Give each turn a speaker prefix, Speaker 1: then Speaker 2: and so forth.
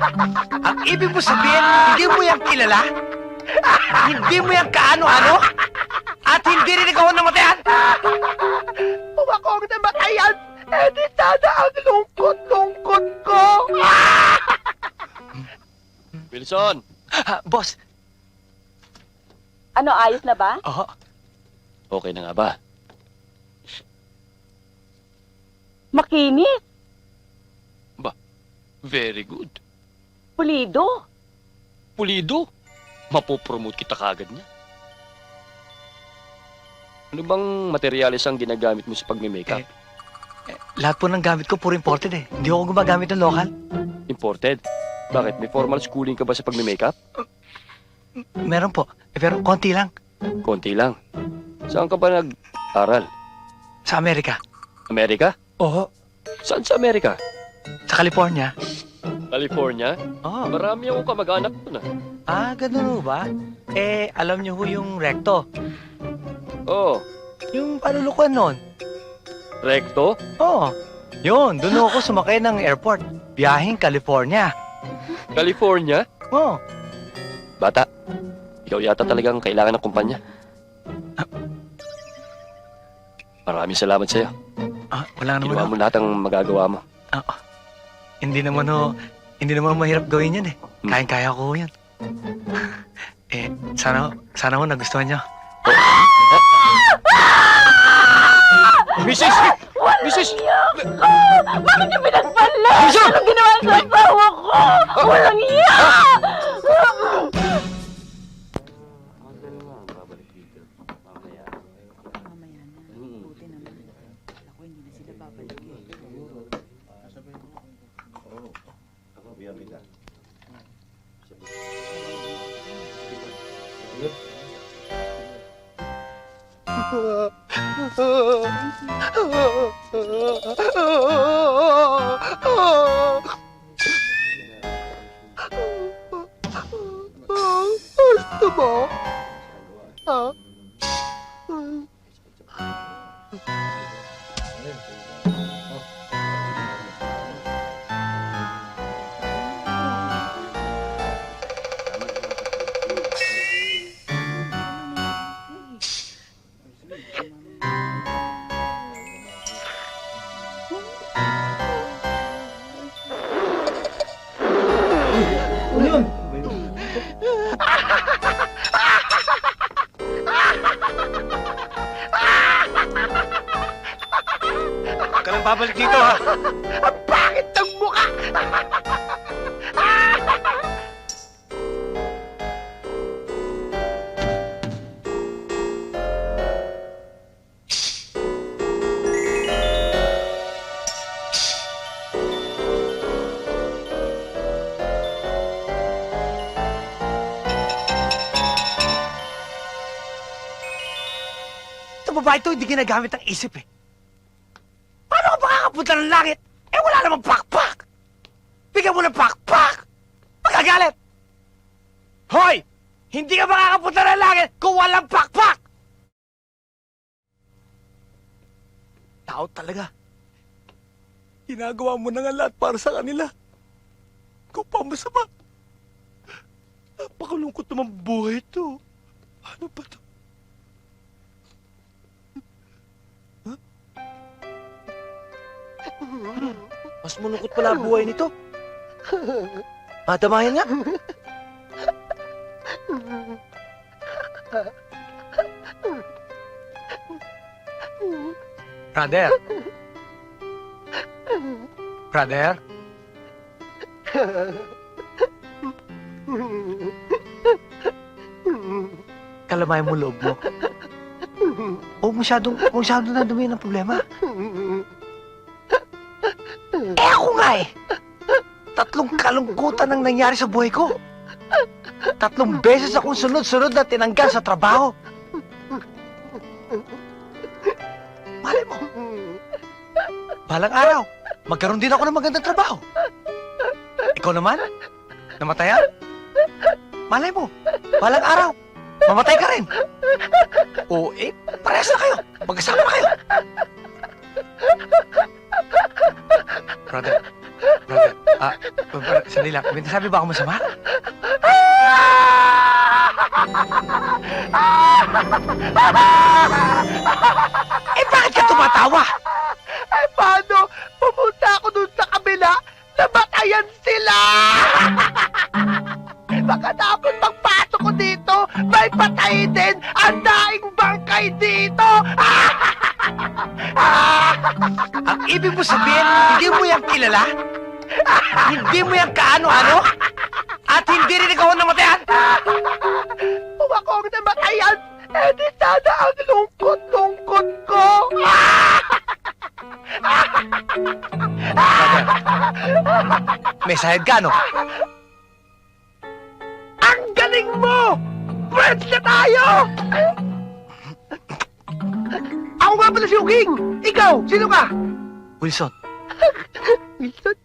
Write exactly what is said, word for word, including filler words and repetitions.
Speaker 1: Ang ibig mo sabihin, hindi mo yan kilala? Hindi mo yan kaano-ano? At hindi rin ikaw ang namatayan?
Speaker 2: Kung ako ang namatayan, eh di sana ang lungkot-lungkot ko.
Speaker 3: Wilson!
Speaker 1: Ah, boss,
Speaker 4: Ano, ayos na ba?
Speaker 1: oo.
Speaker 3: Okay na nga ba?
Speaker 4: Makinis.
Speaker 3: Very good.
Speaker 4: Pulido.
Speaker 3: Pulido. Mapopromote kita kagad niya. Ano bang materyales ang ginagamit mo sa pagme-makeup?
Speaker 1: Eh, lahat po ng gamit ko puro imported eh. Hindi ako gumagamit ng local.
Speaker 3: Imported? Bakit? May formal schooling ka ba sa pagme-makeup?
Speaker 1: Meron po. Eh, pero konti lang.
Speaker 3: Konti lang. Saan ka ba nag-aral?
Speaker 1: Sa Amerika.
Speaker 3: Amerika?
Speaker 1: Oo.
Speaker 3: Saan sa Amerika?
Speaker 1: Sa California.
Speaker 3: California?
Speaker 1: Oo.
Speaker 3: Marami akong kamag-anak doon ah.
Speaker 1: Ah, ganun ho ba? Eh, alam niyo ho yung recto.
Speaker 3: Oo.
Speaker 1: Yung palulukuan nun.
Speaker 3: Recto?
Speaker 1: Oo. Yun, doon ho ako sumakay ng airport. Biyaheng California.
Speaker 3: California?
Speaker 1: Oo.
Speaker 3: Bata, ikaw yata talagang kailangan ng kumpanya. Maraming salamat sa'yo.
Speaker 1: Ah, wala naman
Speaker 3: Ginawa
Speaker 1: ho.
Speaker 3: mo lahat ang magagawa mo.
Speaker 1: Ah, ah. Hindi naman ho, hindi naman mahirap gawin yun eh.
Speaker 3: Hmm.
Speaker 1: Kayang-kaya ko ho yun. eh, sana, sana ho nagustuhan niyo.
Speaker 3: Missus! Missus!
Speaker 4: Bakit niyo pinagpala?
Speaker 3: Wilson!
Speaker 4: Anong ginawa sa asawa ko? Walang iya!
Speaker 2: Gusto mo? Ha?
Speaker 1: Huwag ka nang babalik dito ha.
Speaker 2: Ang pangit ng mukha!
Speaker 1: Ito babae ito, hindi ginagamit ang isip eh. Paano ka makakapunta ng langit? Eh wala namang pakpak! Bigyan mo ng pakpak! Magagalit! Hoy! Hindi ka makakapunta ng langit kung walang pakpak! Tao talaga. Ginagawa mo na nga lahat para sa kanila. Ikaw pa masama. Napakalungkot naman buhay ito. Ano ba ito? Mas malungkot pala ang buhay nito. Madamayan nga. Brother. Brother. Kalamayan mo loob mo. Huwag masyadong, huwag masyadong nadumihan ang problema. Eh ako nga eh. Tatlong kalungkutan ang nangyari sa buhay ko. Tatlong beses akong sunod-sunod na tinanggal sa trabaho. Malay mo. Balang araw, magkaroon din ako ng magandang trabaho. Ikaw naman? Namatayan? Malay mo, balang araw, mamatay ka rin. O eh, parehas na kayo. Magkasama na kayo. Brother, brother, Ah, par- sandali lang. May nasabi ba ako masama? Eh, bakit ka tumatawa?
Speaker 2: Eh, paano? Pumunta ako dun sa kabila, namatayan sila! Eh, baka dapat pagpasok ko dito, may patay din ang daing bangkay dito!
Speaker 1: Ang ibig mo sabihin, hindi mo yan kilala? Hindi mo yan kaano-ano? At hindi rin ikaw ang namatayan?
Speaker 2: Kung ako ang namatayan, eh di sana ang lungkot-lungkot ko!
Speaker 1: May sahid ka, no?
Speaker 2: Ang galing mo! Friends na tayo! Ako nga pala si Uging! Ikaw, sino ka?
Speaker 1: Wilson,
Speaker 2: Wilson?